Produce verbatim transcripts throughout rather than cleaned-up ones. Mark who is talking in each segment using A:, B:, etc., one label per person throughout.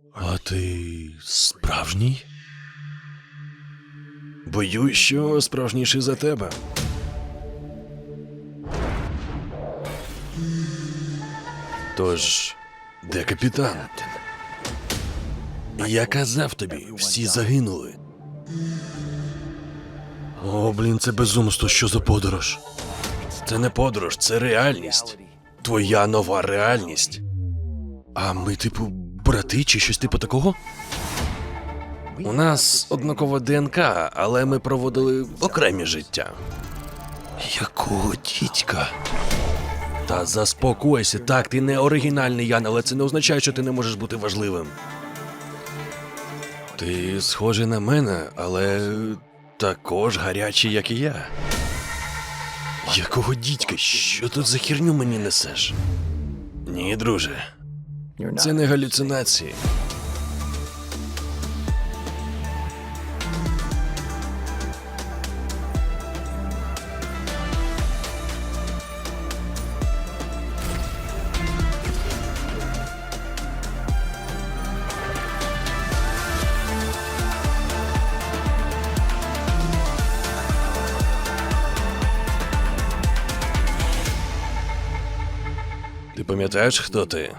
A: А ти справжній? Боюсь, що справжніший за тебе. Тож, де капітан? Я казав тобі, всі загинули. О, блін, це безумство, що за подорож? Це не подорож, це реальність. Твоя нова реальність. А ми, типу, брати чи щось типу такого? У нас однакова ДНК, але ми проводили окремі життя. Якого дідька? Та заспокойся, так, ти не оригінальний, Ян, але це не означає, що ти не можеш бути важливим. Ти схожий на мене, але також гарячий, як і я. Якого дідька? Що тут за херню мені несеш? Ні, друже. Це не галюцинації. Ти пам'ятаєш, хто ти?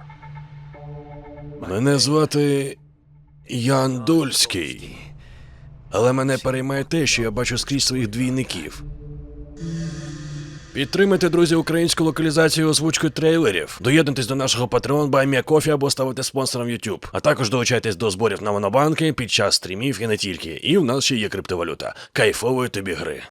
A: Мене звати Ян Дольський. Але мене переймає те, що я бачу скрізь своїх двійників. Підтримайте, друзі, українську локалізацію озвучкою трейлерів. Доєднуйтесь до нашого Patreon, Buy Me a Coffee або ставайте спонсором YouTube. А також долучайтесь до зборів на монобанки під час стрімів і не тільки. І в нас ще є криптовалюта. Кайфової тобі гри.